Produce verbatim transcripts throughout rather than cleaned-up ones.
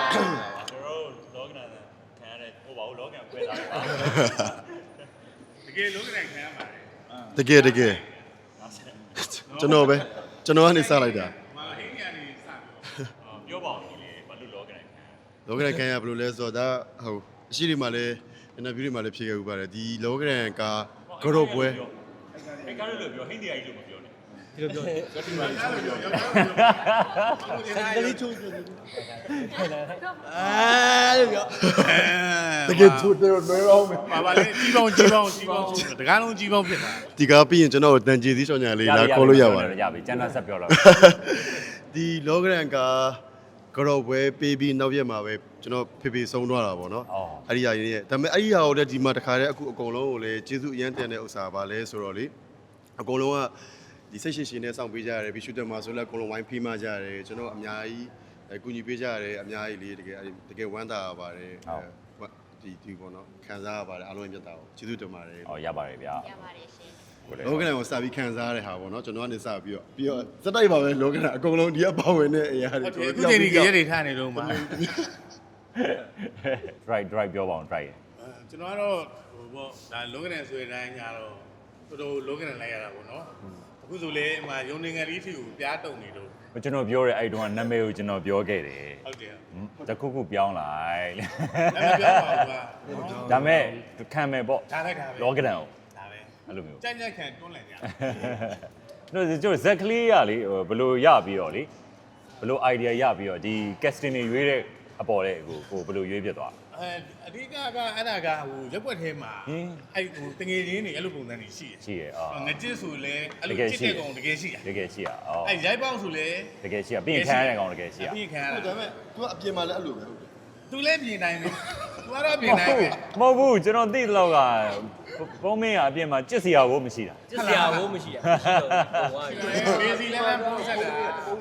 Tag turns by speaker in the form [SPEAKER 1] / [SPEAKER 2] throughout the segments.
[SPEAKER 1] လောကနာခံရတဲ့ဟိုပါဘူးလောကနာခွဲတာတကယ်လောကနာခံရပါတယ်
[SPEAKER 2] တကယ်တကယ်ကျွန်တော်ပဲကျွန်တော်ကနေစလိုက်တာ
[SPEAKER 1] မဟင်းကနေစပြောပါဦးဒီလေဘာလို့လောကနာခံ
[SPEAKER 2] လောကရန်ခံရဘယ်လိုလဲဆိုတော့ဒါဟိုအရှိတွေမှာလည်းအင်တာဗျူးတွေမှာလည်းဖြေခဲ့ဥပါတယ်ဒီလောကရန်ကကတော့ပွဲ
[SPEAKER 1] အဲ့ကားလို့ပြောဟင်းတရားကြီးလို့မပြောနဲ့
[SPEAKER 3] ဒီလိုပြောတယ်
[SPEAKER 1] ပြောတိပါလို့ပြောပြော
[SPEAKER 3] ကလေးချိုးပြောတယ်အဲလို့ပြော
[SPEAKER 2] တကယ်သူတို့လွယ်အောင်မယ်
[SPEAKER 1] ပါပါလေကြီးပေါင်းကြီးပေါင်းကြီးပေါင်းတကားလုံးကြီးပေါင်းဖြစ်တာ
[SPEAKER 2] ဒီကားပြီးရင်ကျွန်တော်တန်ကြေးသီးချောင်းညာလေးလာခေါ်လို့ရပါတယ်
[SPEAKER 4] ရပြီကျန်တာဆက်ပြောတော့
[SPEAKER 2] ဒီလောကရန်ကကတော့ပွဲပေးပြီးနောက်ရက်မှာပဲကျွန်တော်ဖေဖေဆုံးသွားတာပေါ့နော်အဲ့ဒီဟာရင်းရဲ့ဒါပေမဲ့အဲ့ဒီဟာကိုလည်းဒီမှာတခါတည်းအခုအကုန်လုံးကိုလည်းကျေးဇူးအရန်တင်တဲ့ဥစ္စာပါလဲဆိုတော့လေအကုန်လုံးကဒီစိတ်ရှိရှိနဲ့စောင့်ပေးကြရတယ်ပြီးရှူတယ်မှာဆိုလည်းအကုန်လုံးဝိုင်းဖိမကြရတယ်ကျွန်တော်အများကြီးအကူညီပေးကြရတယ်အများကြီးလေတကယ်တကယ်ဝမ်းသာပါတယ်ဒီဒီပေါ့နော်ခံစားရပါတယ်အားလုံးမြတ်တာကိုကျေးဇူးတင်ပါတယ်
[SPEAKER 4] ဟောရပါတယ်ဗျာ
[SPEAKER 5] ရပါတယ်ရှင်
[SPEAKER 2] လောကရန်ကိုစပြီးခံစားရတဲ့ဟာပေါ့နော်ကျွန်တော်ကနေစပြီးတော့ပြီးတော့စတိုက်ပါပဲလောကရန်အကုန်လုံးဒီကပါဝင်တဲ့အရာတွေ
[SPEAKER 1] အခုချိန်ဒီကြရက်တွေထားနေလို့မှာ
[SPEAKER 4] drive drive ပြောပါအောင် drive
[SPEAKER 1] ကျွန်တော်ကတော့ဟိုပေါ့ဒါလောကနာဆိုတဲ့တိုင်းညာတော့တော်တော်လောကနာလိုက်ရတာပေါ့နော်အခုဆိုလေအမယုံနေငယ်လေးထီကိုပြားတုံနေတော့
[SPEAKER 4] ကျွန်တော်ပြောတဲ့အဲ့တုန်းကနာမည်ကိုကျွန်တော်ပြောခဲ့တယ်
[SPEAKER 1] ဟုတ်တယ်
[SPEAKER 4] တခုခုပြောင်းလိုက်
[SPEAKER 1] အဲ့မပြောပါဘူးကွာ
[SPEAKER 4] ဒါမဲ့ခံမယ်ပေါ့
[SPEAKER 1] ဒါလိုက်တာပဲ
[SPEAKER 4] လောကဒန်ကို
[SPEAKER 1] ဒါပဲ
[SPEAKER 4] အဲ့လိုမျိုး
[SPEAKER 1] ကြိုက်ကြိုက်ခံတွန်းလိုက်ကြ
[SPEAKER 4] တို့ကျွန်တော်ဇက်ကလေးရလေဘယ်လိုရပြီးတော့လေဘယ်လို idea ရပြီးတော့ဒီ casting တွေရွေးတဲ့အပေါ်တဲ့ကိုကိုဘယ်လိုရွေးပြသွား
[SPEAKER 1] အဲအဓိကကအဲ့ဒါကဟိုရက်ွက်ထဲမှာအဲ့ဟိုတငယ်ချင်းတွေအဲ့လိုပုံစံတွေရှိတယ်
[SPEAKER 4] ရှိရအော်
[SPEAKER 1] ငကြစ်ဆိုလဲအဲ့လိုကြစ်တဲ့ကောင်တကယ်ရှိတာ
[SPEAKER 4] တကယ်ရှိရအော်
[SPEAKER 1] အဲ့ရိုက်ပေါက်ဆိုလဲ
[SPEAKER 4] တကယ်ရှိရပြင်ခံရတဲ့ကောင်တကယ်ရှိရ
[SPEAKER 1] ပြင်ခံရ
[SPEAKER 2] ဟုတ်
[SPEAKER 1] တာ
[SPEAKER 2] ဒါပေမဲ့ तू ကအပြင်မှာလည်းအဲ့လိုပဲဟုတ်တယ်
[SPEAKER 1] သူလည်းပြင်နိုင်တယ်သူကတော့ပြင်နိုင်တယ်
[SPEAKER 4] မဟုတ်ဘူးကျွန်တော်သိတဲ့လောက်ကပုံမင်းကအပြင်မှာကြစ်စရာကိုမရှိတာ
[SPEAKER 3] ကျစ်စရာဘိုးမရှိတာမရှိတော့ဟိုက
[SPEAKER 1] ဘေစီလည်းလည်းပုံဆက်တာ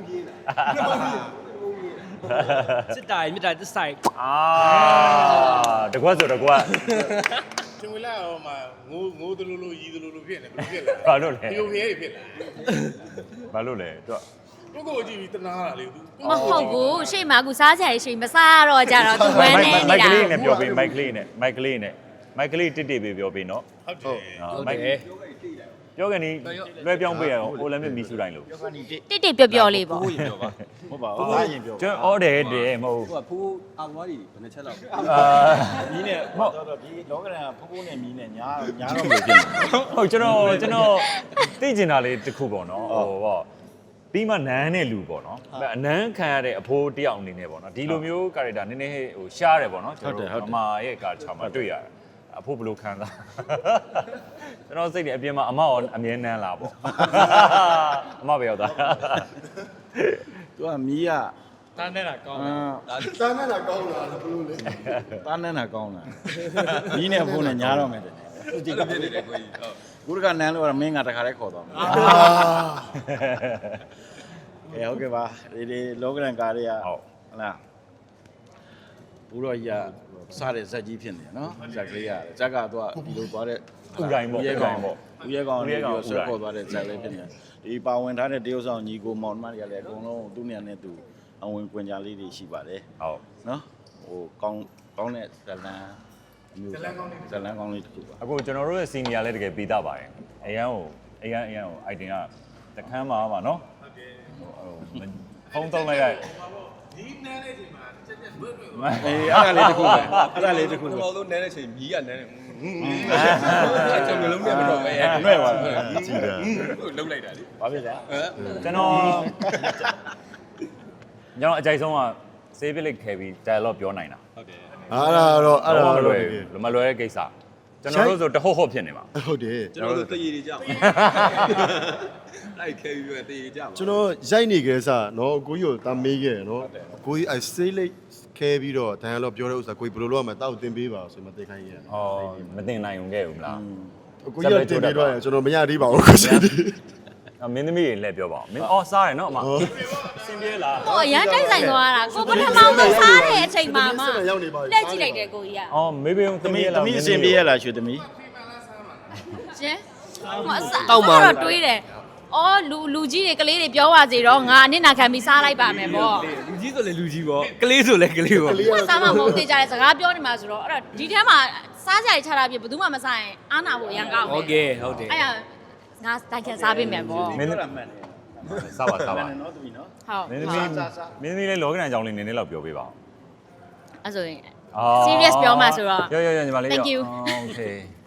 [SPEAKER 3] စစ်တာမြစ်တာတစ်ဆိုင်
[SPEAKER 4] အာတကွက်ဆိုတကွက်
[SPEAKER 1] ကျွန်တော်လည်းဟိုမှာငိုးငိုးတလူလူရီတလူလူဖြစ်နေဘယ်လိုဖြစ်လဲ
[SPEAKER 4] ဘာလို့လဲ
[SPEAKER 1] ဒီလိုခဲတွေဖြစ်လာ
[SPEAKER 4] ဘာလို့လဲသူက
[SPEAKER 1] ကိုကိုကြည့်ပြီးတနာတာလေသူ
[SPEAKER 5] မဟုတ်ဘူးရှေ့မှာအခုစားကြရရှိမစားတော့ကြတော့သူဝမ်းနေ
[SPEAKER 4] မို
[SPEAKER 5] နေ
[SPEAKER 4] က်က
[SPEAKER 5] တာ
[SPEAKER 4] လေးနဲ့ပြောပေးမိုက်ကလေးနဲ့မိုက်ကလေးနဲ့မိုက်ကလေးတစ်တစ်ပေးပြောပေးနော်
[SPEAKER 1] ဟုတ်တယ်
[SPEAKER 4] မိုက်ပြောကနေလွှဲပြောင်းပေးရအောင်အိုလံပစ်မီဆူတိုင်းလို့
[SPEAKER 3] ပြောကနေတစ်
[SPEAKER 5] တိတ်တိတ်ပျော့ပျော့လေးပေါ့
[SPEAKER 3] ဘိုးရင်ပြောပါဟုတ်ပါဘူးသားရင်ပြော
[SPEAKER 4] ကျွန်တော်အော်တယ်တယ်မဟုတ်
[SPEAKER 6] ဟိုကဖိုးအာဝါရီဘယ်နှချက်လောက်
[SPEAKER 4] အာ
[SPEAKER 6] မီးနဲ့တော့တော့ဒီလောကရန်ကဖိုးဖိုးနဲ့မီးနဲ့ညာညာတော့မဖြစ်ဘူး
[SPEAKER 4] ဟုတ်ကျွန်တော်ကျွန်တော်သိကျင်တာလေးတစ်ခုပေါ့နော်ဟိုပေါ့ပြီးမှနန်းနဲ့လူပေါ့နော်အနန်းခံရတဲ့အဖိုးတယောက်အနေနဲ့ပေါ့နော်ဒီလိုမျိုး character နည်းနည်းဟိုရှားတယ်ပေါ့နော်ကျွန်တော်အမရဲ့ character မှာတွေ့ရတယ်အဖိုးဘယ်လိုခံစားကျွန်တော်စိတ်တွေအပြင်မှာအမရောအမြဲနန်းလာပေါ့အမပဲရောက်သွား
[SPEAKER 6] သူကမီးက
[SPEAKER 3] တားနေတာကောင်း
[SPEAKER 6] အာ
[SPEAKER 2] တာနဲ့လာကောင်းလာဘယ်လိုလဲ
[SPEAKER 6] တားနန်းတာကောင်းလားမီးနဲ့ဖိုးနဲ့ညာတော့မယ်တဲ့သူဒီကပြစ်နေတယ်ကိုကြီးဟုတ်ကိုရကနန်းလို့ကတော့မင်းကတခါတည်းခေါ်သွားမယ်
[SPEAKER 2] အာ
[SPEAKER 6] ကဲဟုတ်ကဲ့ပါဒီဒီလောကရန်ကားတွေက
[SPEAKER 4] ဟုတ်
[SPEAKER 6] ဟုတ်လားဘူးတော့ကြီးကစားတဲ့ဇက်ကြီးဖြစ်နေနော်ဇက်ကလေးကဇက်ကတော့ဒီလိုသွားတဲ့
[SPEAKER 4] ဥတိုင်းပေါ့
[SPEAKER 6] ရဲ
[SPEAKER 4] ဥ
[SPEAKER 6] ကော
[SPEAKER 4] တို
[SPEAKER 6] င်း
[SPEAKER 4] င်းပေါ့
[SPEAKER 6] ဦးရဲကောင်
[SPEAKER 4] ဦးရဲ
[SPEAKER 6] လေး
[SPEAKER 4] ကောင်
[SPEAKER 6] ကိုဆွဲခေါ်သွားတဲ့ဇက်လေးဖြစ်နေဒီပါဝင်ထားတဲ့တရုတ်ဆောင်ညီကိုမောင်နှမတွေကလည်းအကုန်လုံးသူ့နေရာနဲ့သူအဝင်ကွင်ကြလေးတွေရှိပါတယ်
[SPEAKER 4] ဟုတ်
[SPEAKER 6] နော်ဟိုကောင်းကောင်းတဲ့ဇလန်အမျိုးဇလန်ကောင်းလေးဇလန်ကောင်းလေးတစ်ခုပါ
[SPEAKER 4] အခုကျွန်တော်တို့ရဲ့ senior လည်းတကယ်ပေးတတ်ပါတယ်အရန်ကိုအရန်အရန်ကို item ကတခမ်းမှာပါနော်ဟုတ်တယ်ဟိုဖုန်းသုံးလိုက်ရ
[SPEAKER 1] ဒီနန်းတဲ့ချိန်မှာချက်ချက်ဘွတ်ဘွတ်
[SPEAKER 6] အေးအဲ့ဒါလေးတစ်ခုပဲအဲ့ဒါလေးတစ်ခု
[SPEAKER 7] ပထ
[SPEAKER 6] ပဲ
[SPEAKER 7] မဆုံးနန်းတဲ့ချိန်မြီးကနန်းတယ်ကျွန်တော်လုံးနဲ့မတော့ပဲ
[SPEAKER 6] နှဲ့ပါ
[SPEAKER 2] ကြည့်တယ်
[SPEAKER 7] လုံးလိုက်တာလေ
[SPEAKER 6] ဘာဖြစ်လဲ
[SPEAKER 4] ကျွန်တော်ကျွန်တော်အကြိုက်ဆုံးက save လိတ်ခဲပြီး dialogue ပြောနိုင်တာ
[SPEAKER 7] ဟုတ်တယ်
[SPEAKER 2] အားရတော့အဲ့ဒါ
[SPEAKER 4] မ
[SPEAKER 2] တော့
[SPEAKER 4] လွယ်ဘူးမလွယ်တဲ့ကိစ္စကျွန်တော်တို့ဆိုတဟုတ်ဟုတ်ဖြစ်နေမှာ
[SPEAKER 2] ဟုတ်တယ်
[SPEAKER 7] ကျွန်တော်တို့တည်ရည်ကြပါအဲ့ခဲပြီးတည်ရည်ကြပါ
[SPEAKER 2] ကျွန်တော်ရိုက်နေကြစနော်အကိုကြီးကိုတာမေးခဲ့တယ်နော်အကိုကြီးအဲစေးလိတ်ခဲပြီးတော့ဒိုင်ယာလော့ပြောတဲ့ဥစ္စာကိုကြီးဘယ်လိုလုပ်ရမလဲတောက်တင်ပေးပါဆိုမှသိခိုင်းရတယ်
[SPEAKER 4] ဟောမတင်နိုင်ုံခဲ့ဘူးမလား
[SPEAKER 2] အကိုကြီးကတင်ပေးတော့ကျွန်တော်မရသေးပါဘူးကိုကြီး
[SPEAKER 4] မင်းသမီးတွေလည်းပြောပါအောင်မင်းအော်စားတယ်နော်အမ
[SPEAKER 1] စင်ပြေလား
[SPEAKER 5] ဟိုအရန်တိုက်ဆိုင်သွားတာကိုပထမဆုံးစားတဲ့အချိန်မှာမှလက်ကြည့်လိုက်တယ်ကိုကြီးက
[SPEAKER 4] အော်မေးပေးအောင်
[SPEAKER 6] တ
[SPEAKER 4] သမီး
[SPEAKER 6] မီး
[SPEAKER 4] ရဲ့
[SPEAKER 6] တ
[SPEAKER 4] လား
[SPEAKER 6] မီးအစင်ပြေးရလားရွှေတမီး
[SPEAKER 5] ရှင်တောက်မှာတော့တွေးတယ်အော်လူလူကြီးတွေကလေးတွေပြောပါစေတော့ငါအနစ်နာခံပြီးစားလိုက်ပါမယ်ပေါ့
[SPEAKER 3] လူကြီးဆိုလေလူကြီးပေါ့ကလေးဆိုလေကလေးပေါ့
[SPEAKER 5] ။ဘာစားမှမဟုတ်သေးကြတဲ့စကားပြောနေမှာဆိုတော့အဲ့တော့ဒီထဲမှာစားကြရချတာပြဘယ်သူမှမစားရင်အားနာဖို့ရန်ကောက်မယ်
[SPEAKER 3] โอเคဟုတ်တယ်
[SPEAKER 5] အဲ့ရငါတိုင်ခံစားပေးမယ်ပေါ့
[SPEAKER 4] မင်း
[SPEAKER 6] မှန်တယ်
[SPEAKER 4] စားပါစားပါ
[SPEAKER 6] နော်သူနော်
[SPEAKER 5] ဟုတ်
[SPEAKER 4] မင်းသမီးမင်းသမီးလေးလောကရန်အကြောင်းလေးနည်းနည်းလောက်ပြောပေးပါဦး
[SPEAKER 5] အဲ့ဆိုရင်
[SPEAKER 4] အော်
[SPEAKER 5] serious ပြောမှဆိုတော့
[SPEAKER 4] ရောရောရောညီမလေး
[SPEAKER 5] Thank you
[SPEAKER 4] โอเค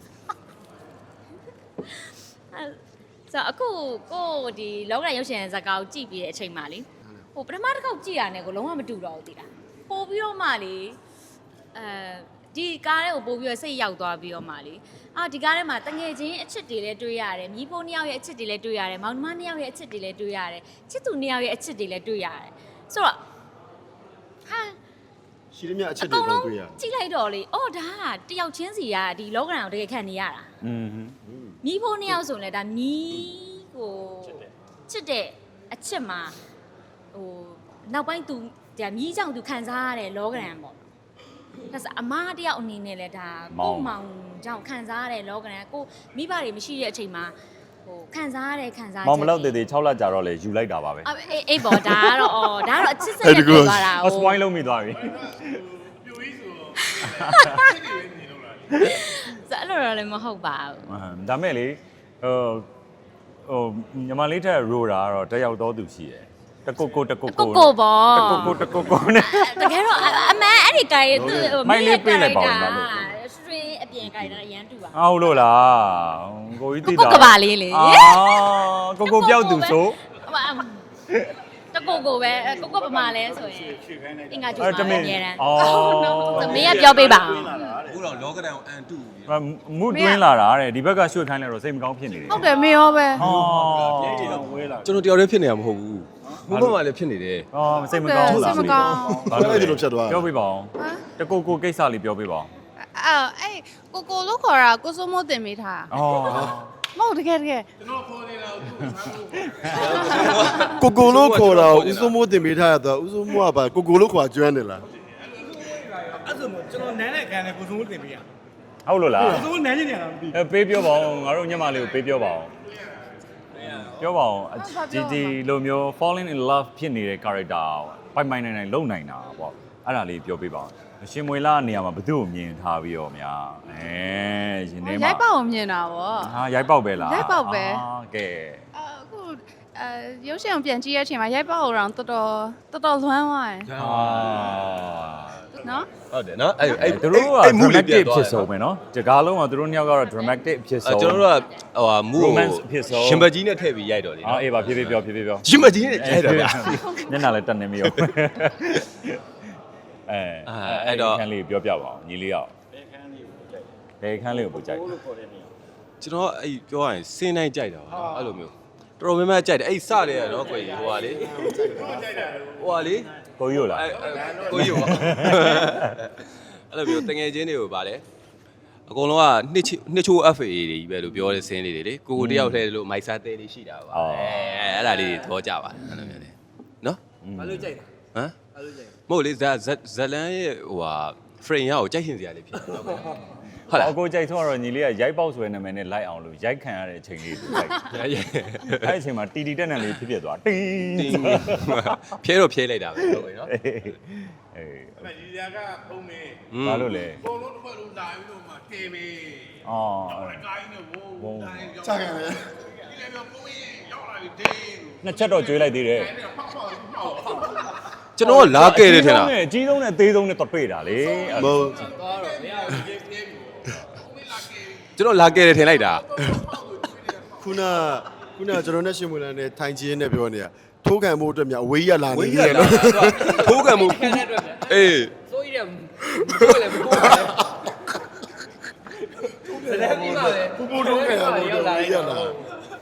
[SPEAKER 5] ဆိုအခုကိုဒီလောကရန်ရုပ်ရှင်ဇာတ်ကားကိုကြည့်ပြီးတဲ့အချိန်မှလေဟိုပထမတစ်ခေါက်ကြည့်ရတဲ့ကိုလုံးဝမတူတော့ဘူးတိလားပို့ပြီးတော့မှလေအဲဒီကားထဲကိုပို့ပြီးတော့စိတ်ရောက်သွားပြီးတော့မှလေအာဒီကားထဲမှာတငယ်ချင်းအချစ်တွေလည်းတွေ့ရတယ်မြီးဖိုးနှစ်ယောက်ရဲ့အချစ်တွေလည်းတွေ့ရတယ်မောင်နှမနှစ်ယောက်ရဲ့အချစ်တွေလည်းတွေ့ရတယ်ချစ်သူနှစ်ယောက်ရဲ့အချစ်တွေလည်းတွေ့ရတယ်ဆိုတော့ဟာ
[SPEAKER 2] ရှိသမျှအချက်
[SPEAKER 5] အ
[SPEAKER 2] တွေ
[SPEAKER 5] ကုန်
[SPEAKER 2] ပုံ
[SPEAKER 5] လုံး
[SPEAKER 2] တွေ့ရ
[SPEAKER 5] ကြည့်လိုက်တော့လေအော်ဒါကတယောက်ချင်းစီကဒီလောကရန်ကိုတကယ်ခံနေရတာ
[SPEAKER 4] อืม
[SPEAKER 5] မီးဖိုးနှစ်ယောက်ဆိုရင်လည်းဒါမီးကိုချစ်တဲ့အချစ်မှာဟိုနောက်ပိုင်းသူဒါမီးကြောင့်သူခံစားရတဲ့လောကရန်ပေါ့ဒါဆိုအမားတယောက်အနေနဲ့လည်းဒါကိုမောင်ကြောင့်ခံစားရတဲ့လောကရန်ကိုမိဘတွေမရှိတဲ့အချိန်မှာဟိုခံစားရတဲ့ခံစားချက်
[SPEAKER 4] မောင်မလောက်သေးသေး6လကြာတော့လေယူလိုက်တာပါပဲ
[SPEAKER 5] အေးအေးပေါ့ဒါကတော့အော်ဒါကတော့အချစ်စက်နဲ့ပြောသွားတာ
[SPEAKER 4] အစပွိုင်းလုံးမိသွားပြီ
[SPEAKER 1] ပြိုကြီးဆိုတော့ချစ်တယ်နေလို့လား
[SPEAKER 5] ဆိုအဲ့လိုတော့လည်းမဟုတ်ပါဘူး
[SPEAKER 4] ဒါမဲ့လေဟိုဟိုညီမလေးထက်ရိုတာကတော့တယောက်တော့သူရှိတယ်တကုတ်ကိုတကုတ်
[SPEAKER 5] ကို
[SPEAKER 4] ကို
[SPEAKER 5] ကိုပေါ့
[SPEAKER 4] တကုတ်ကိုတကုတ်ကိုနဲ့
[SPEAKER 5] တကယ်တော့အမှန်အဲ့ဒီကိုင်သူ့
[SPEAKER 4] မိုင်းလေးပေးလိုက်ပါဦးလားလို့
[SPEAKER 5] စထရင်းအပြင်ကိုင်တာအရန်တူပါ
[SPEAKER 4] အော်လို့လားကိုကြီးသိတာ
[SPEAKER 5] ကိုကပါလေးလေ
[SPEAKER 4] အာကိုကိုပြောက်သူဆို
[SPEAKER 5] တကိုကိုပဲကိုကိုပမာလဲဆိုရင်အင်္ဂါကျူ
[SPEAKER 4] အဲ့
[SPEAKER 5] ပါ
[SPEAKER 4] တမ
[SPEAKER 5] အ
[SPEAKER 4] င်
[SPEAKER 5] မြဲတမ်း
[SPEAKER 4] အော်
[SPEAKER 5] သမီးကပြောပေးပါ
[SPEAKER 7] အခုတော့လောကဒဏ်ကိုအန်တူပြီ
[SPEAKER 4] မူတွင်းလာတာတဲ့ဒီဘက်ကရွှေ့ခိုင်းလိုက်တော့စိတ်မကောင်းဖြစ်နေတယ်
[SPEAKER 8] ဟုတ်တယ်မေရောပဲ
[SPEAKER 4] အော်
[SPEAKER 7] ကျွန်တော်တယောက်တည်းဖြစ်နေတာမဟုတ်ဘူးဘုမမလည်းဖြစ်နေတယ်
[SPEAKER 4] အော်စိတ်မကောင်းဘူးလား
[SPEAKER 8] စိတ်မကောင်း
[SPEAKER 2] ဘာလို့အဲ့ဒီလိုဖြတ်သွား
[SPEAKER 4] ပြောပြပါအောင်တကုတ်ကိုကိစ္စလေးပြောပြပါအောင်
[SPEAKER 8] အဲ့အဲ့ကိုကိုလို့ခေါ်တာကိုစိုးမိုးတင်မိထား
[SPEAKER 4] အော်
[SPEAKER 8] မဟုတ်တကယ်တကယ်
[SPEAKER 1] ကျွန်တော်ခေါ်နေတာကိုသူ့ကိုစားဖို့
[SPEAKER 2] ကိုကိုလို့ခေါ်တာကိုဦးစိုးမိုးတင်ပေးထားရတော့ဦးစိုးမိုးကပါကိုကိုလို့ခေါ်ကျွမ်းတယ်လား
[SPEAKER 3] အဲ့ဆိုကျွန်တော်နန်းနဲ့ခံတယ်ကိုစုံတင်ပေးရ
[SPEAKER 4] ဟုတ်လို့လား
[SPEAKER 3] ကိုစုံနန်းနေတယ်လားမသိ
[SPEAKER 4] အဲပေးပြောပါအောင်ငါတို့ညမလေးကိုပေးပြောပါအောင်ပြောပါအောင်ဒီဒီလိုမျိုး falling in love ဖြစ်နေတဲ့ character ပိုင်ပိုင်နိုင်နိုင်လုံနိုင်တာပေါ့အဲ့ဒါလေးပြောပြပါအောင်ရှင်မွေလာနေရာမှာဘယ်သူ့ကိုမြင်ထားပြီးတော့များအဲရှင်နေမှာ
[SPEAKER 8] ရိုက်ပေါက်ကိုမြင်တာဗော
[SPEAKER 4] ဟာရိုက်ပေါက်ပဲလား
[SPEAKER 8] ရိုက်ပေါက်ပဲ
[SPEAKER 4] အာကဲ
[SPEAKER 8] အခုအဲရုပ်ရှင်ကိုပြန်ကြည့်ရတဲ့အချိန်မှာရိုက်ပေါက်ကိုတော့တော်တော်တော်တော်လွမ်းသွားတယ်
[SPEAKER 4] အာ
[SPEAKER 8] နော်
[SPEAKER 7] ဟုတ်တယ်နော်အဲ့အဲ့
[SPEAKER 4] သူတို့က
[SPEAKER 7] အဲ့
[SPEAKER 4] dramatic ဖြစ်ဆုံးပဲเนาะဒီကားလုံးကသူတို့နှစ်ယောက်ကတော့ dramatic ဖြစ်ဆုံး
[SPEAKER 7] ကျွန်တော်တို့ကဟိုဟာမူကို
[SPEAKER 4] romance ဖြစ်ဆုံး
[SPEAKER 7] ရှင်ဘတ်ကြီးနဲ့ထည့်ပြီးရိုက်တော့လေ
[SPEAKER 4] အော်အေးပါဖြည်းဖြည်းပြောဖြည်းဖြည်းပြော
[SPEAKER 7] ရှင်ဘတ်ကြီးနဲ့ရိုက်တော့ဗျာ
[SPEAKER 4] ညနာလည်းတက်နေမရောအဲ
[SPEAKER 7] အာအဲ့တော့
[SPEAKER 4] ခန်းလေးပြောပြပါအောင်ညီလေးအောင်ဘယ်ခန်းလေးကိုပို့ကြိုက်
[SPEAKER 7] ကျွန်တော်အဲ့ပြောရရင်စင်းတိုင်းကြိုက်တာပါအဲ့လိုမျိုးတော်တော်များများကြိုက်တယ်အဲ့စတယ်ရနော်ကိုကြီးဟိုဟာလေဟိုဟာလေ
[SPEAKER 4] ကိုကြီးလား
[SPEAKER 7] အဲ့ကိုကြီးပါအဲ့လိုမျိုးတငယ်ချင်းတွေကိုဗာလေအကုန်လုံးကနှစ်နှစ်ချိုး F A တွေကြီးပဲလို့ပြောတဲ့စင်းလေးတွေလေကိုကိုတယောက်ထဲလို့မိုက်စားသေးလေးရှိတာပါအဲအဲ့ဒါလေးတွေသဘောကျပါတယ်အဲ့လိုမျိုးလေနော်
[SPEAKER 3] ဘာလို့ကြိုက်တာ
[SPEAKER 7] ဟမ်
[SPEAKER 3] ဘာလို့ကြိုက်
[SPEAKER 7] မဟုတ်လေဇဇဇလန်ရဲ့ဟိုဟာ frame ရကိုကြိုက်ရှင်စရာလေးဖြစ်တယ်ဟုတ်လား
[SPEAKER 4] အကိုကြိုက်ဆုံးတော့ညီလေးကရိုက်ပေါက်ဆိုတဲ့နာမည်နဲ့လိုက်အောင်လို့ရိုက်ခံရတဲ့အချိန်လေးကိုလိုက်အဲ့အချိန်မှာတီတီတက်တက်လေးဖြစ်ဖြစ်သွားတင်း
[SPEAKER 7] တင်းဖြဲတော့ဖြဲလိုက်တာပဲဟုတ်ပြီနော်
[SPEAKER 4] အေး
[SPEAKER 1] အဲ့ဒါဒီဇာကဖုံးမင်း
[SPEAKER 4] ဘာလို့လဲ
[SPEAKER 1] ဘုံလုံးတစ်ခွက်လုံးလာပြီးတော့မှတေမင်း
[SPEAKER 4] အော်
[SPEAKER 1] တော့လည်းကိုင်းနေဘိုး
[SPEAKER 4] ဘုံ
[SPEAKER 1] တိုင်းရောက်
[SPEAKER 2] ချခဲ့တယ်
[SPEAKER 1] ဒီလည်းပြောဖုံးမင်းရောက်လာပြီတင်း
[SPEAKER 4] နှစ်ချက်တော့ကျွေးလိုက်သေးတယ်
[SPEAKER 1] အဲ့ဒါဖောက်ဖောက်ဖောက်ဖောက်
[SPEAKER 7] ကျွန်တော်ကလာခဲ့တယ်ထင်လား
[SPEAKER 4] အကြီးဆုံးနဲ့အသေးဆုံးနဲ့တော့တွေ့တာလေ
[SPEAKER 2] မဟုတ်
[SPEAKER 3] သွားတော့မရဘူး
[SPEAKER 1] ပြေးပြေးဖုံးမင်းလာကေ
[SPEAKER 7] ကျွန်တော်လာခဲ့တယ်ထင်လိုက်တာ
[SPEAKER 2] ခုနခုနကျွန်တော်နဲ့ရှင်မွေလန်နဲ့ထိုင်ချင်းနဲ့ပြောနေတာထိုးခံမှုအတွက်မြအဝေးရလာ
[SPEAKER 7] ဝေး
[SPEAKER 2] နေ
[SPEAKER 7] ရ
[SPEAKER 2] တယ်
[SPEAKER 7] လာ
[SPEAKER 2] နော်
[SPEAKER 7] ထိုးကံမှု
[SPEAKER 3] ခံတဲ့အတွက်
[SPEAKER 7] အေး
[SPEAKER 3] စိုးရတယ်ကိုယ်လည်းကိုယ်လည်းပြီးပါလေ
[SPEAKER 2] ပူပူထိုးခံရမှုအတွက်ဝေးရလာ
[SPEAKER 5] ဒါ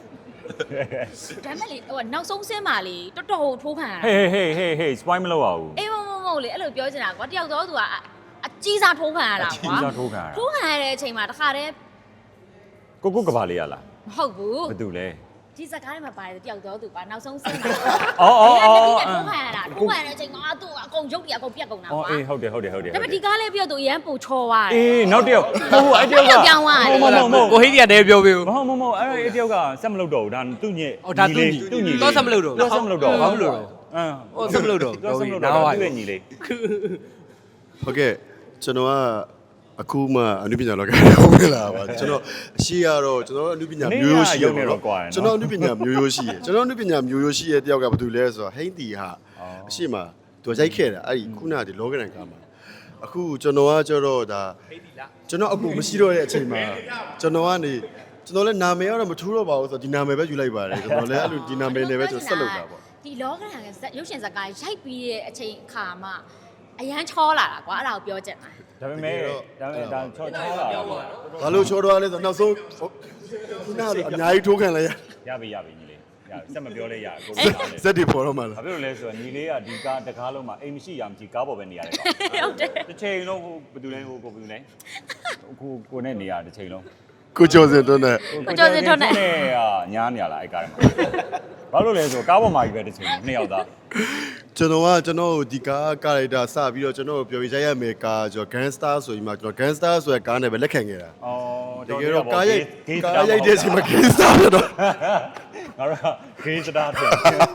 [SPEAKER 5] မဲ့လေဟိုနောက်ဆုံးဆင်းပါလေတော်တော်ထိုးခံရတာ
[SPEAKER 4] ဟေးဟေးဟေးဟေး spoil မလုပ်ပါဘူး
[SPEAKER 5] အေးမမမဟုတ်လေအဲ့လိုပြောချင်တာကွာတယောက်တော့သူကအကြီးစားထိုးခံရတာကွာ
[SPEAKER 4] ကြီးစားထိုးခံရတာ
[SPEAKER 5] ထိုးခံရတဲ့အချိန်မှာတခါတည်း
[SPEAKER 4] ကိုကိုကဘာလေးရလား
[SPEAKER 5] မဟုတ်ဘူး
[SPEAKER 4] ဘာတူလဲ
[SPEAKER 5] ဒီစကားထဲမှာပါတယ်တယောက်တော့သူကနောက်ဆုံးဆင်းတာ
[SPEAKER 4] အော်အော်အော်
[SPEAKER 5] ထိုးခံရတာထိုးခံရတဲ့အချိန်မှာသူကအကုကုန်ရုပ်တွေအကုန်ပြက်ကုန်တာ
[SPEAKER 4] အော်
[SPEAKER 5] ကွာ
[SPEAKER 4] အေးဟုတ်တယ်ဟုတ်တယ်ဟုတ်တယ်
[SPEAKER 5] ဒါပေမဲ့ဒီကားလေးပြီးတော့သူအရန်ပိုချော်သွားတယ်
[SPEAKER 4] အေးနောက်တစ်ယောက်ဟိုအဲ့တယောက်က
[SPEAKER 5] ပြောင်းသွားတယ်
[SPEAKER 4] မဟုတ်မဟုတ်
[SPEAKER 3] ကိုဟိဒီကတည်းကပြောပေးဦး
[SPEAKER 4] မဟုတ်မဟုတ်အဲ့အဲ့တယောက်ကဆက်မလုပ်တော့ဘူးဒါသူ့ညက်
[SPEAKER 3] အော်ဒါသူ့ညီ
[SPEAKER 4] သူ့ညီ
[SPEAKER 3] တော့ဆက်မလုပ်တော့ဘူး
[SPEAKER 4] တော့ဆက်မလုပ်တော့
[SPEAKER 3] ဘာဖြစ်လို့လဲ
[SPEAKER 4] အင်း
[SPEAKER 3] ဟောဆက်မလုပ်တော့
[SPEAKER 4] တော့ဆက်မလုပ်တော့
[SPEAKER 3] နားဝိုင်း
[SPEAKER 4] သူ့ရဲ့ညီလေး
[SPEAKER 2] ဟုတ်ကဲ့ကျွန်တော်ကအခုမှအနုပညာလောကဝင်လာပါကျွန်တော်အရှိရတော့ကျွန်တော်အနုပညာမျိုးရိုးရှိရပေါ့နော်ကျွန်တော်အနုပညာမျိုးရိုးရှိရကျွန်တော်အနုပညာမျိုးရိုးရှိရတယောက်ကဘာတူလဲဆိုတော့ဟိန်းတီဟာအရှိမသူရိုက်ခဲ့တာအဲ့ဒီခုနကဒီလောကရန်ကားမှာအခုကျွန်တော်ကကျတော့ဒါကျွန်တော်အကူမရှိတော့တဲ့အချိန်မှာကျွန်တော်ကနေကျွန်တော်လည်းနာမည်ကတော့မထူးတော့ပါဘူးဆိုတော့ဒီနာမည်ပဲယူလိုက်ပါတယ်ကျွန်တော်လည်းအဲ့လိုဒီနာမည်နဲ့ပဲကျွန်တော်ဆက်လုပ်တာပေါ့
[SPEAKER 5] ဒီလောကရန်ကရုပ်ရှင်ဇာတ်ကားရိုက်ပြီးတဲ့အချိန်အခါမှာအရန်ချောလာတာကွာအဲ့ဒါကိုပြောချင်တာ
[SPEAKER 4] ဒါပေမဲ့ဒါပေမဲ့ဒါချောချောလာတော့
[SPEAKER 2] ဘာလို့ချောတော့လဲဆိုတော့နောက်ဆုံးခုနကအများကြီးထိုးခံလိုက်ရ
[SPEAKER 4] ရပြီရပြီညီလေးရပြီစက်မပြောလဲရကို
[SPEAKER 2] ဇက်တွေပေါ်တော့မှလား
[SPEAKER 4] ဘာဖြစ်လို့လဲဆိုတော့ညီလေးကဒီကားတကားလုံးမှာအိမ်မရှိရမရှိကားပေါ်ပဲနေရတယ်
[SPEAKER 5] ဟုတ်တယ်
[SPEAKER 4] တစ်ချိန်လုံးဟိုဘယ်သူလဲဟိုကိုဘယ်သူလဲကိုကိုနဲ့နေရတစ်ချိန်လုံး
[SPEAKER 2] ကိုကျော်စင်တွန်းနဲ့
[SPEAKER 5] ကိုကျော်စင်ထွန်းနဲ့
[SPEAKER 4] ညားနေရလားအဲ့ကားထဲမှာဘာလို့လဲဆိုတော့ကားပေါ်မှာကြီးပဲတစ်ချိန်နှစ်ယောက်သား
[SPEAKER 2] ကျွန်တော်ကကျွန်တော်ဒီကားကာရိုက်တာစပြီးတော့ကျွန်တော်ပြောပြရရမယ်ကားကျွန်တော် gangster ဆိုပြီးမှကျွန်တော် gangster ဆိုတဲ့ကားနဲ့ပဲလက်ခံခဲ့တာ
[SPEAKER 4] အော်
[SPEAKER 2] တကယ်တော့ကားရိုက်ကားရိုက်တဲ့အချိန်မှာ gangster ဖြစ်တော့
[SPEAKER 4] ငါတို့ဂေးစတာတယ်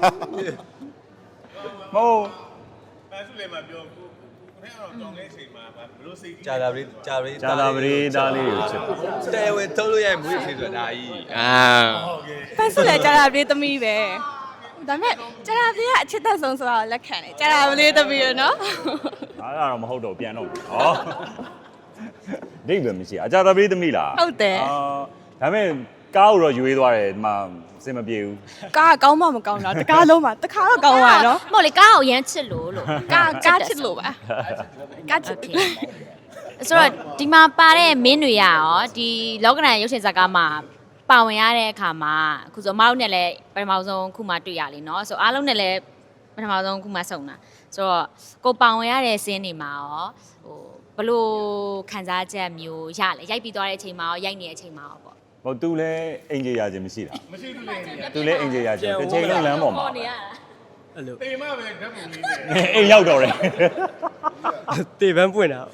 [SPEAKER 4] မို့
[SPEAKER 1] အဲဆိုလေမပြောကိုကိုထဲကတော့တောင်းတဲ့အချိန်မှာဘယ်လိုစိတ်ကြီး
[SPEAKER 7] ကြာတာပရိကြာပရိ
[SPEAKER 4] ဂျာတာပရိသားလေးကိုချစ်
[SPEAKER 7] တဲဝဲထုတ်လို့ရမွေးဖြစ်ဆိုတာကြီးအာ
[SPEAKER 8] ဖက်ဆိုလဲကြာတာပြေးသမီးပဲဒါပေမဲ့ကြာတာပြေးကအချစ်သက်ဆုံးဆိုတော့လက်ခံတယ်ကြာတာပြေးသမီးရနော်
[SPEAKER 4] အားတော့မဟုတ်တော့ပြန်တော့ဟောဒိတ်ပဲမရှိအဂျာတာပရိသမီးလား
[SPEAKER 8] ဟုတ်တယ်
[SPEAKER 4] အာဒါပေမဲ့ကားကိုတော့ယူရေးသွားတယ်ဒီမှာစင်မပြေဘူး
[SPEAKER 8] ကားကောင်းမှမကောင်းတာတကားလုံးမှာတခါတော့ကောင်းပါနော်
[SPEAKER 5] မဟုတ်လေကားကိုအရန်ချစ်လို့လို့
[SPEAKER 8] ကားကားချစ်လို့ပါကားချစ်
[SPEAKER 5] ဆိုတော့ဒီမှာပါတဲ့မင်းတွေရရောဒီလောကရန်ရုပ်ရှင်ဇာတ်ကားမှာပါဝင်ရတဲ့အခါမှာအခုဆိုအမတို့နဲ့လည်းပထမဆုံးခုမှတွေ့ရလေเนาะဆိုအားလုံးနဲ့လည်းပထမဆုံးခုမှဆုံတာဆိုတော့ကိုပါဝင်ရတဲ့စင်းတွေမှာရောဟိုဘလို့ခံစားချက်မျိုးရလဲရိုက်ပြီးသွားတဲ့အချိန်မှာရောရိုက်နေတဲ့အချိန်မှာရောပေါ့
[SPEAKER 4] ဟိုသူလည်းအင်ဂျီရခြင်းမရှိတာ
[SPEAKER 1] မရှိဘူးလေ
[SPEAKER 4] သူလည်းအင်ဂျီရခြင်းတစ်ချိန်လုံးလမ်းပေါ်မှာ
[SPEAKER 5] နေရတာ
[SPEAKER 3] အဲ့လို
[SPEAKER 1] တေမပဲဓာတ်ပုံလေးနဲ့
[SPEAKER 4] အိမ်ရောက်တော့တယ်
[SPEAKER 3] တေပန်းပွင့်တာ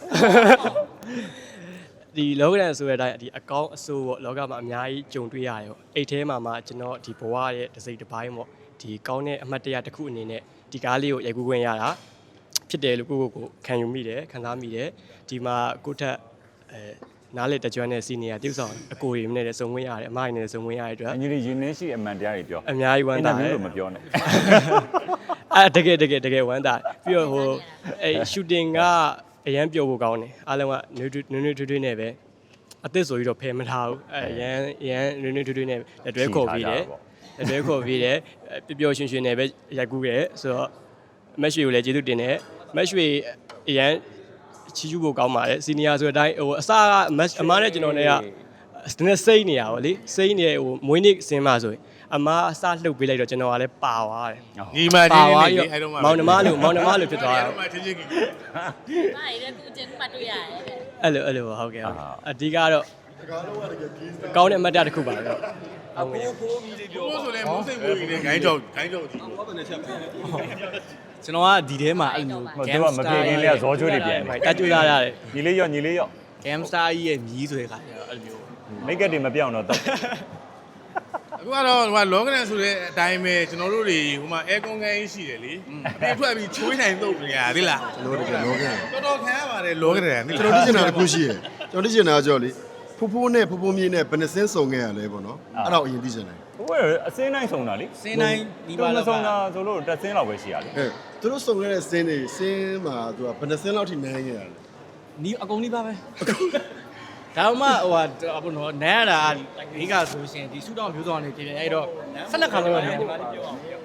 [SPEAKER 3] ဒီလောကရန်ဆိုတဲ့အတိုင်းဒီအကောင့်အဆိုးပေါ့လောကမှာအများကြီးကြုံတွေ့ရတယ်ပေါ့အိတ်ထဲမှာမှကျွန်တော်ဒီဘဝရဲ့တစ်စိတ်တစ်ပိုင်းပေါ့ဒီကောင်းတဲ့အမှတ်တရတစ်ခုအနေနဲ့ဒီကားလေးကိုရိုက်ကူးခွင့်ရတာဖြစ်တယ်လို့ကိုကိုကိုခံယူမိတယ်ခံစားမိတယ်ဒီမှာကိုထက်အဲနားလေတကြွတဲ့စီနီယာတိကျဆောင်အကိုရီနဲ့လည်းစုံဝင်ရတယ်အမရီနဲ့လည်းစုံဝင်ရတဲ့အတွက်
[SPEAKER 4] အင်ဂျီရင်းနှင်းရှိအမှန်တရားတွေပြော
[SPEAKER 3] အများကြီးဝမ်းသာတယ်
[SPEAKER 4] လို့မပြောနဲ့
[SPEAKER 3] အဲတကယ်တကယ်တကယ်ဝမ်းသာပြီးတော့ဟိုအဲရှူတင်ကအရန်ပျော်ဖို့ကောင်းတယ်အားလုံးကနွေးနွေးနွေးထွေးထွေးနဲ့ပဲအသစ်ဆိုပြီးတော့ဖယ်မထားဘူးအဲရန်ရန်နွေးနွေးထွေးထွေးနဲ့လက်တွဲခေါ်ပြီးတယ်လက်တွဲခေါ်ပြီးတယ်ပျော်ပျော်ရွှင်ရွှင်နဲ့ပဲရိုက်ကူးခဲ့ဆိုတော့မက်ရွှေကိုလည်းကျေးဇူးတင်တယ်မက်ရွှေအရန်ချီးကျူးဖို့ကောင်းပါတယ်စီနီယာဆိုတဲ့အတိုင်းဟိုအစကအမအမားနဲ့ကျွန်တော်နဲ့ကစနေစိတ်နေရပါလေစိတ်နေဟိုမွေးနေ့စင်းမှဆိုရင်အမားအစလှုပ်ပေးလိုက်တော့ကျွန်တော်ကလည်းပါသွားတယ်
[SPEAKER 1] ညီမချင်းလေးလေအဲ့တော့မှ
[SPEAKER 3] မောင်နှမလို့မောင်နှမလို့ဖြစ်သွားတယ်
[SPEAKER 1] အဲ့တော့မှချင်းချင်းကြီး
[SPEAKER 5] မာရီလည်းသူအကျဉ်းမှတွေ့ရတယ်တဲ့
[SPEAKER 3] အဲ့လိုအဲ့လိုဟုတ်ကဲ့အဓိကတော့ကောင်းတဲ့အမတ်တတစ်ခုပါတော့
[SPEAKER 1] ဘိုးဆိုလေမုန်းစိတ်ဘိုးကြီးနဲ့ဂိုင်းကြောက်ဂိုင်းကြောက်ကြီးပေါ့
[SPEAKER 3] ကျွန်တော်ကဒီထဲမှာအဲ့လို
[SPEAKER 4] ဟိုသူကမပြေခင်လေးကဇောကျွေးတွေပြန်နေ
[SPEAKER 3] တက်ကြွလာရတယ်
[SPEAKER 4] ညီလေးရောညီလေးရော
[SPEAKER 3] Gamstar ကြီးရဲ့မြီးဆိုတဲ့ခါကျတော့အဲ့လိုမျိုး
[SPEAKER 4] မိတ်ကပ်တွေမပြောင်းတော့တော့
[SPEAKER 1] အခုကတော့ဟိုလောကရန်ဆိုတဲ့အတိုင်းပဲကျွန်တော်တို့တွေဟိုမှာအဲကွန်ကန်ကြီးရှိတယ်လေအပြင်ထွက်ပြီးချွေးနိုင်တော့နေရသေးလား
[SPEAKER 2] ကျွန်တော်တို့ကလောကရန်
[SPEAKER 1] တော်တော်ခံရပါတယ်လောကရန်
[SPEAKER 2] ကျွန်တော်သိချင်တာတစ်ခုရှိရယ်ကျွန်တော်သိချင်တာကြောလေဖိုးဖိုးနဲ့ဖိုးဖိုးမြေးနဲ့ဘယ်နှစင်းစုံခဲ့ရလဲပေါ့နော်အဲ့ဒါကိုအရင်သိချင်တယ်
[SPEAKER 4] ဟိုကအစင်းတိုင်းဆုံတာလေစင်းတိုင်းဒီမှာမဆုံတာဆိုလို့တက်စင်းလောက်ပဲရှိရလေ
[SPEAKER 2] ဟဲ့သူတို့စုံခဲ့တဲ့စင်းတွေစင်းမှာသူကဘယ်နှစင်းလောက်ထိနိုင်ခဲ့ရလဲ
[SPEAKER 3] နီးအကုန်နီးပါပဲဒါမှမဟုတ်ဟိုအပေါ်တော့နန်းရတာဒီကဆိုရှင်ဒီစုတောင်မျိုးစောနေဖြစ်ဖြစ်အဲ့တော့ဆက်လက်ခါလုံးရတယ်
[SPEAKER 4] ဟုတ်တယ်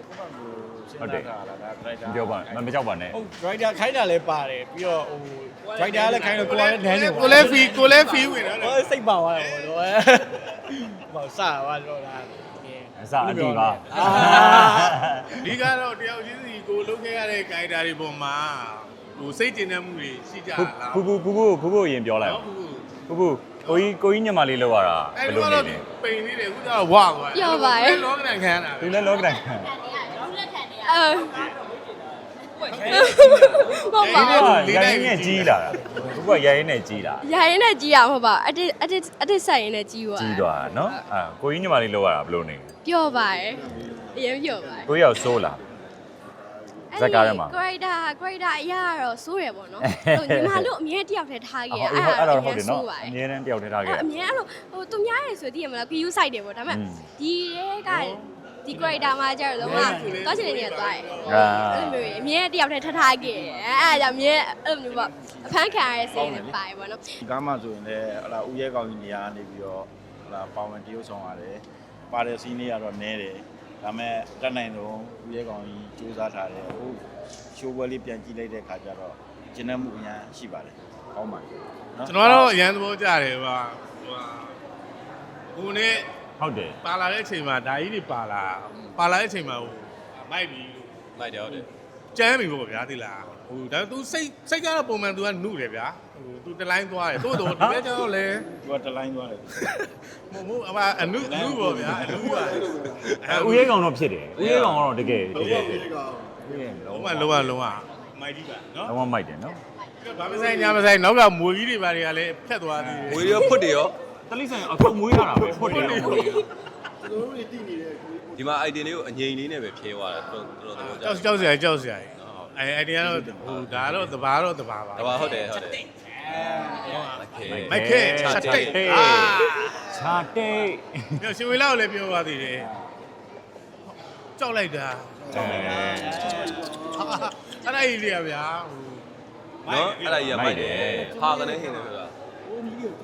[SPEAKER 4] ပြောပါမမကြောက်ပါနဲ့
[SPEAKER 3] ဟုတ် driver ခိုင်းတာလည်းပါတယ်ပြီးတော့ဟို driver လည်းခိုင်းတော့ကိုယ်လည်းနန်းနေပါ
[SPEAKER 1] ကိုလည်းဖီကိုလည်းဖီဝင်တော့
[SPEAKER 3] ဟိုစိတ်ပါသွားတယ်ပေါ့တော့ဟိုစသွားတော့လား
[SPEAKER 4] အစအတီပါ
[SPEAKER 1] ဒီကတော့တယောက်ချင်းစီကိုလုပ်ခဲ့ရတဲ့ဂိုင်တာတွေပေါ်မှာဟိုစိတ်ကျဉ်တဲ့မှုတွေရှိကြလား
[SPEAKER 4] ဖူဖူဖူဖူဖူဖူရင်ပြောလိုက်ဖူဖူကိုကြီးကိုကြီးညမလေးလောက်ရတာဘ
[SPEAKER 1] အဲ့
[SPEAKER 4] ယ်
[SPEAKER 1] လို
[SPEAKER 4] လို
[SPEAKER 1] တော့
[SPEAKER 4] နေလဲ
[SPEAKER 1] ပိန်နေတယ်ခုကျတော့ဝါသွားလောကရန်ခံရတာ
[SPEAKER 4] သူလည်းလောကတိုင်း
[SPEAKER 8] အဲဟုတ်ပါဘူး
[SPEAKER 4] ရိုင်းနဲ့ကြီးလာတာကိုကရိုင်းနဲ့ကြီးလာ
[SPEAKER 8] ရရင်နဲ့ကြီးရမှာပါအတစ်အတစ်အတစ်ဆက်ရင်နဲ့ကြီးသွား
[SPEAKER 4] ကြီးသွားတာနော်အာကိုကြီးညီမလေးလောက်ရတာဘယ်လိုနေ
[SPEAKER 8] ပျော့ပါတယ်အရင်ပျော့ပါတယ်
[SPEAKER 4] ကိုရောက်ဆိုးလာဇက်ကားထဲမှာ
[SPEAKER 8] creator creator အရာတော့စိုးရပေါ့နော်ဟိုညီမတို့အမြဲတယောက်တည်းထားခဲ့
[SPEAKER 4] အဲ့ဒါတော့ဟုတ်တယ်နော်အမြဲတမ်းတယောက်တည်းထားခဲ့
[SPEAKER 8] အမြဲအဲ့လိုဟိုသူများရယ်ဆိုတည်ရမလား view site တယ်ပေါ့ဒါပေမဲ့ဒီရဲကဒီ creator မှာကျတော့လုံးဝတော့ချင်နေနေသွားတယ်အဲ့လိုမျိုးအမြဲတယောက်တည်းထားထားခဲ့အဲ့ဒါကြောင့်အမြဲအဲ့လိုမျိုးပေါ့အဖမ်းခံရတဲ့စိတ်နဲ့ပါပေါ့နော်
[SPEAKER 6] ဒီကားမှဆိုရင်လည်းဟလာဦးရဲကောင်းကြီးနေရာနေပြီးတော့ဟလာပါဝင်တရုပ်ဆောင်ရတယ်ပါတဲ့စီးနေရတော့နဲတယ်ဒါမဲ့တက်နိုင်တော့ဦးရဲကောင်းကြီးစူးစမ်းထားတယ်ဟိုရှိုးပွဲလေးပြန်ကြည့်လိုက်တဲ့ခါကျတော့ကျဉ်းနှမှုအများရှိပါတယ်ကောင်းပါတယ်နော်
[SPEAKER 1] ကျွန်တော်ကတော့အရန်သဘောကျတယ်ဟိုဟိုကိုနဲ့
[SPEAKER 4] ဟုတ်တယ်
[SPEAKER 1] ပါလာတဲ့အချိန်မှာဓာကြီးတွေပါလာပါလာတဲ့အချိန်မှာဟိုမိုက်ပြီး
[SPEAKER 7] မိုက်တယ်ဟုတ်တယ်
[SPEAKER 1] ကျမ်းပြီပေါ့ဗျာသိလားဟိုဒါ तू စိတ်စိတ်ကတော့ပုံမှန် तू ကနှုတယ်ဗျာဟို तू တလိုင်းသွားတယ်တိုးတော့ဒီကကျတော့လေ
[SPEAKER 6] သူကတလိုင်းသွားတယ်
[SPEAKER 1] မဟုတ်အမအနုအနုပေါ့ဗျာအနုပါ
[SPEAKER 4] အဲဦးရဲကောင်တော့ဖြစ်တယ်ဦးရဲကောင်ကတော့တကယ်တကယ်ဖြစ်
[SPEAKER 1] လုံးဝလုံးဝလုံးဝမိုက်ကြီးပါနော်
[SPEAKER 4] တော့မိုက်တယ်နော်
[SPEAKER 1] ဘာမဆိုင်ညာမဆိုင်နောက်ကမွေကြီးတွေဘာတွေကလည်းဖြတ်သွားသေးတယ်
[SPEAKER 7] ဝေရောဖွတ်တယ်ရော
[SPEAKER 4] တလိဆိုင်အကုန်မွေးရတာပဲဖွတ်တယ်ရောမွေးရ
[SPEAKER 7] ဒီမှာ item လေးကိုအငြိမ်လေးနဲ့ပဲဖြဲသွားတာတော်တော်တော်ကြော
[SPEAKER 1] ကြော
[SPEAKER 7] က်
[SPEAKER 1] က်ကြောက်စရာကြောက်စရာအဲအဲ့ဒီကတော့ဟိုဒါတော့တဘာတော့တဘာပါ
[SPEAKER 7] ဒါပါဟုတ်တယ်ဟုတ်တယ်
[SPEAKER 1] မိုက်ခဲချက်တိတ်အာ
[SPEAKER 4] ချာတိတ်
[SPEAKER 1] ညရှင်ဝေလာကိုလည်းပြောပါသေးတယ်ကြောက်လိုက်တာ
[SPEAKER 4] အဲ
[SPEAKER 1] အဲ့ဒါကြီးတွေကဗျာဟို
[SPEAKER 7] နော်အဲ့ဒါကြီးရမိုက်တယ်ဟာကနေဟင်းတယ်ဆိုတာ
[SPEAKER 4] အဲ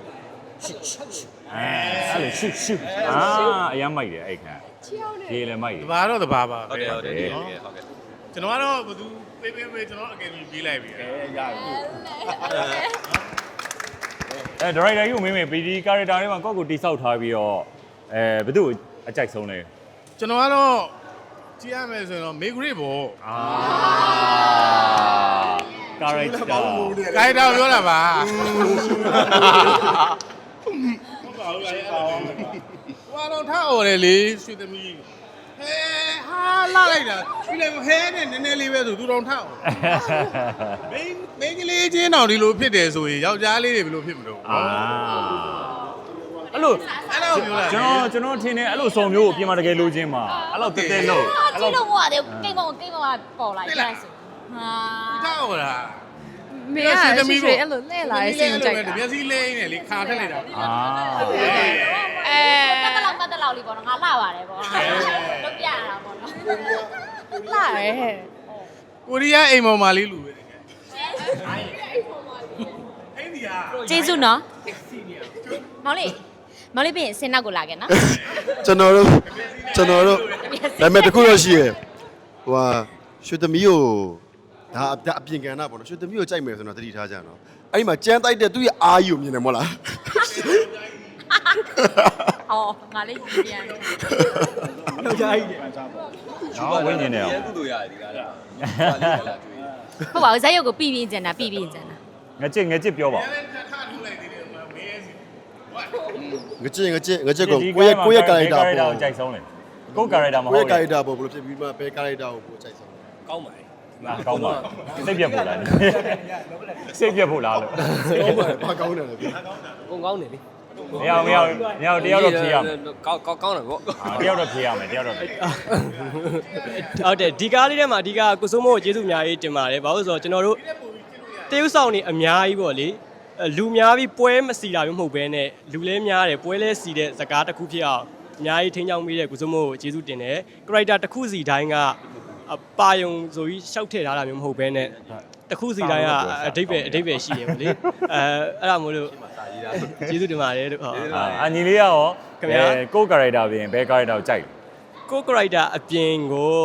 [SPEAKER 4] အဲ့လိုရှုရှုအာအရမ်းမိုက်တယ်အဲ့ခါရေလည်းမိုက်တ
[SPEAKER 1] တ
[SPEAKER 4] ယ်
[SPEAKER 1] ဘာတော့တဘာပါ
[SPEAKER 7] ဟုတ်တယ်ဟုတ်တယ်ဟုတ်တယ်ဟုတ်ကဲ့
[SPEAKER 1] ကျွန်တော်ကတော့ဘသူပေးပေးပေးကျွန်တော်အကယ်ဒမီပေးလိုက်ပြီ
[SPEAKER 6] အဲရပြီ
[SPEAKER 4] အဲဒါရိုက်တာကြီးကိုမင်းမေပီဒီကာရက်တာထဲမှာကော့ကိုတိဆောက်ထားပြီးတော့အဲဘယ်သူ့ကိုအကြိုက်ဆုံးလဲ
[SPEAKER 1] ကျွန်တော်ကတော့ကြည့်ရမယ်ဆိုရင်တော့မေဂရစ်ပေါ့
[SPEAKER 4] အာကာရက်တာ
[SPEAKER 1] ကိုင်တော်ပြောတာပါဟုတ်ပါဘူးလေဟိုတော့ထားအော်တယ်လေရွှေသမီးဟဲဟာလာလိုက်တာဒီလေဟဲနဲ့နည်းနည်းလေးပဲဆိုသူတော်ထားအော်မင်းမင်းကလေးချင်းတော်ဒီလိုဖြစ်တယ်ဆိုရင်ယောက်ျားလေးတွေဘယ်လိုဖြစ်မလို့
[SPEAKER 4] အာအဲ့လို
[SPEAKER 1] အဲ့လိုပြောတာ
[SPEAKER 4] ကျွန်တော်ကျွန်တော်ထင်တယ်အဲ့လိုစုံမျိုးကိုပြင်မာတကယ်လိုချင်မှာအဲ့လိုတဲတဲလို့
[SPEAKER 5] အာကြည့်လို့မဟုတ်တယ်ကိတ်မောကိတ်မောပေါ်လာကြဆိုဟာ
[SPEAKER 1] ထားအော်တာ
[SPEAKER 8] မင်းကရွှေရွှေအဲ့လိုလှည့်လာတဲ့စီကိုကြိုက်တာ
[SPEAKER 1] မျက်စိလေးနဲ့လေခါထက်လိုက်တာ
[SPEAKER 4] အာ
[SPEAKER 5] အဲပတ်တလောက်ပတ်တလောက်လေးပေါ့နော်ငါလှပါတယ်ပေါ့လုတ်ပြရတာပေါ့နော်
[SPEAKER 8] လှရဲဟဲ့
[SPEAKER 1] ကိုရီးယားအိမ်မော်မာလေးလူပဲတကယ်အဲ့ဒီဟာ
[SPEAKER 5] ကျေးဇူးနော်မောင်လေးမောင်လေးပြင်စင်နောက်ကိုလာခဲ့နော်
[SPEAKER 2] ကျွန်တော်တို့ကျွန်တော်တို့ဒါပေမဲ့တခုတော့ရှိရယ်ဟိုဟာရွှေသမီးကိုဒါအပြင်ကန်တာပေါ့နော်ရွှေသမီးကိုကြိုက်မယ်ဆိုတော့တတိထားကြနော်အဲ့ဒီမှာကြမ်းတိုက်တဲ့သူ့ရဲ့အာကြီးကိုမြင်တယ်မဟုတ်လား
[SPEAKER 5] ဟောငါလေးပြန်
[SPEAKER 2] ယောက်ျားကြီးတယ်
[SPEAKER 4] နော်ဝင်းနေတယ်အောင်
[SPEAKER 7] ကုသိုလ်ရတယ်ဒီကားလားဟာလေးလာကျွေး
[SPEAKER 5] ဟုတ်ပါဘူးဇက်ရုပ်ကိုပြီးပြီးကျန်တာပြီးပြီးကျန်တာ
[SPEAKER 4] ငကြစ်ငကြစ်ပြောပါ
[SPEAKER 1] အဲ့ဒါထားထူလိုက်သေးတယ်မမေးစီဟို
[SPEAKER 2] ငကြင်ငကြင်ငကြင်ကိုကိုရဲ့ကိုရဲ့ကာရက်တာ
[SPEAKER 4] ကို
[SPEAKER 2] ပေါ့
[SPEAKER 4] ကြိုက်ဆုံးလေကိုကာရက်တာမဟုတ်
[SPEAKER 2] ကို
[SPEAKER 4] ဘူး
[SPEAKER 2] ရဲ့ကာရက်တာပေါ့ဘယ်လိုဖြစ်ပြီးမှဘယ်ကာရက်တာကိုကိုကြိုက်ဆုံးလဲ
[SPEAKER 7] ကောင်းပါလေ
[SPEAKER 4] အာကောင်းပါစိတ်ပြတ်ဖို့လားစိတ်ပြတ်ဖို့လားလို့
[SPEAKER 2] ကောင်းပါတယ်ဘာကောင်းတယ်လဲဗျာ
[SPEAKER 7] ကိုကောင်းတယ်လေ
[SPEAKER 4] မရမရမရတယောက်တော့ဖြေရမယ်
[SPEAKER 7] ကောင်းကောင်းကောင်းတယ်ဗော
[SPEAKER 4] တယောက်တော့ဖြေရမယ်တယောက်တော့
[SPEAKER 3] ဟုတ်တယ်ဒီကားလေးထဲမှာအဓိကကိုစိုးမိုးကိုကျေးဇူးအများကြီးတင်ပါတယ်ဘာလို့လဲဆိုတော့ကျွန်တော်တို့တရုတ်ဆောင်နေအများကြီးပေါ့လေလူများပြီးပွဲမစီတာမျိုးမဟုတ်ဘဲနဲ့လူလဲများတယ်ပွဲလဲစီတဲ့ဇကားတစ်ခုဖြစ်အောင်အများကြီးထိန်းချောင်းမိတဲ့ကိုစိုးမိုးကိုကျေးဇူးတင်တယ် character တစ်ခုစီတိုင်းကအပါယုံဆိုပြီးရှောက်ထည့်ထားတာမျိုးမဟုတ်ဘဲနဲ့တစ်ခုစီတိုင်းကအတိတ်ပဲအတိတ်ပဲရှိတယ်ပေါ့လေအဲအဲ့ဒါမို့လို့ကျေးဇူးတင်ပါတယ်လို့ဟုတ်
[SPEAKER 4] အာညီလေးရော
[SPEAKER 3] ခင်ဗျာ
[SPEAKER 4] ကိုကာရက်တာပြင်ဘယ်ကာရက်တာကိုကြိုက်
[SPEAKER 3] ကို character အပြင်ကို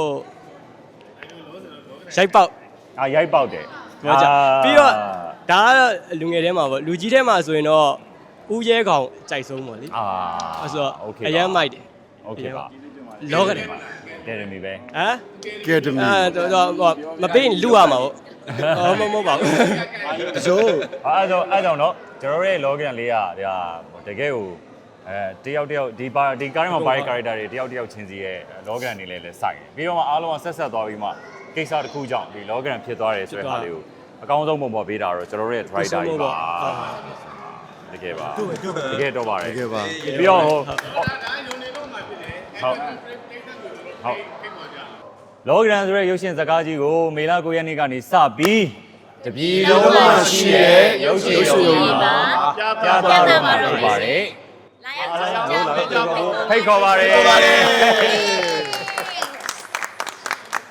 [SPEAKER 3] ရိုက်ပေါက်
[SPEAKER 4] အာရိုက်ပေါက်တယ်
[SPEAKER 3] ပြောကြပြီးတော့ဒါကတော့လူငယ်ထဲမှာပေါ့လူကြီးထဲမှာဆိုရင်တော့ဦးရဲကောင်ကြိုက်ဆုံးပေါ့လေ
[SPEAKER 4] အာ
[SPEAKER 3] အဲ့ဆိုတော့
[SPEAKER 4] โอเค
[SPEAKER 3] အရန်မိုက်တယ်
[SPEAKER 4] โอเคပါ
[SPEAKER 3] လောကတယ်
[SPEAKER 4] တယ်တယ်မီပဲ
[SPEAKER 3] ဟမ်
[SPEAKER 2] ကဲတမီ
[SPEAKER 3] အဲ့တော့မပေးရင်လူရမှာပေါ့ဟောမမဟုတ်ပါဘူး
[SPEAKER 2] တစိုး
[SPEAKER 4] အဲ့တော့အဲ့တော့เนาะကျွန်တော်တို့ရဲ့ login လေးကဒါတကယ်ကိုအဲတယောက်တယောက်ဒီပါဒီကားထဲမှာပါတဲ့ character တွေတယောက်တယောက်ချင်းစီရဲ့ login တွေလည်းလည်းစိုက်တယ်ပြီးတော့မှအားလုံးကဆက်ဆက်သွားပြီးမှကိစ္စတစ်ခုကြောင့်ဒီ login ဖြစ်သွားတယ်ဆိုတဲ့ဟာလေးကိုအကောင်းဆုံးပုံပေါ်ပေးတာတော့ကျွန်တော်တို့ရဲ့ driver ကြီးပါတကယ်ပါတကယ်တော့ပါတယ်
[SPEAKER 2] တကယ်ပါ
[SPEAKER 4] ပြီးတော့ဟို
[SPEAKER 1] ဒါယုံနေတော့မှဖြစ်တယ်
[SPEAKER 4] ဟုတ်ဟုတ်လောကရန်ဆိုတဲ့ရုပ်ရှင်ဇာတ်ကားကြီးကိုမေလကိုရက်နေ့ကနေစပြီးတပြည်လုံးမှာရှိတဲ့ရုပ်ရှင်ရုပ်ရှင်ပါပြသတော့မှာဖြစ်ပါတယ်
[SPEAKER 5] လာရောက်ကြည့်ကြပါဦး
[SPEAKER 4] ဖိတ်ခေါ်ပါတယ်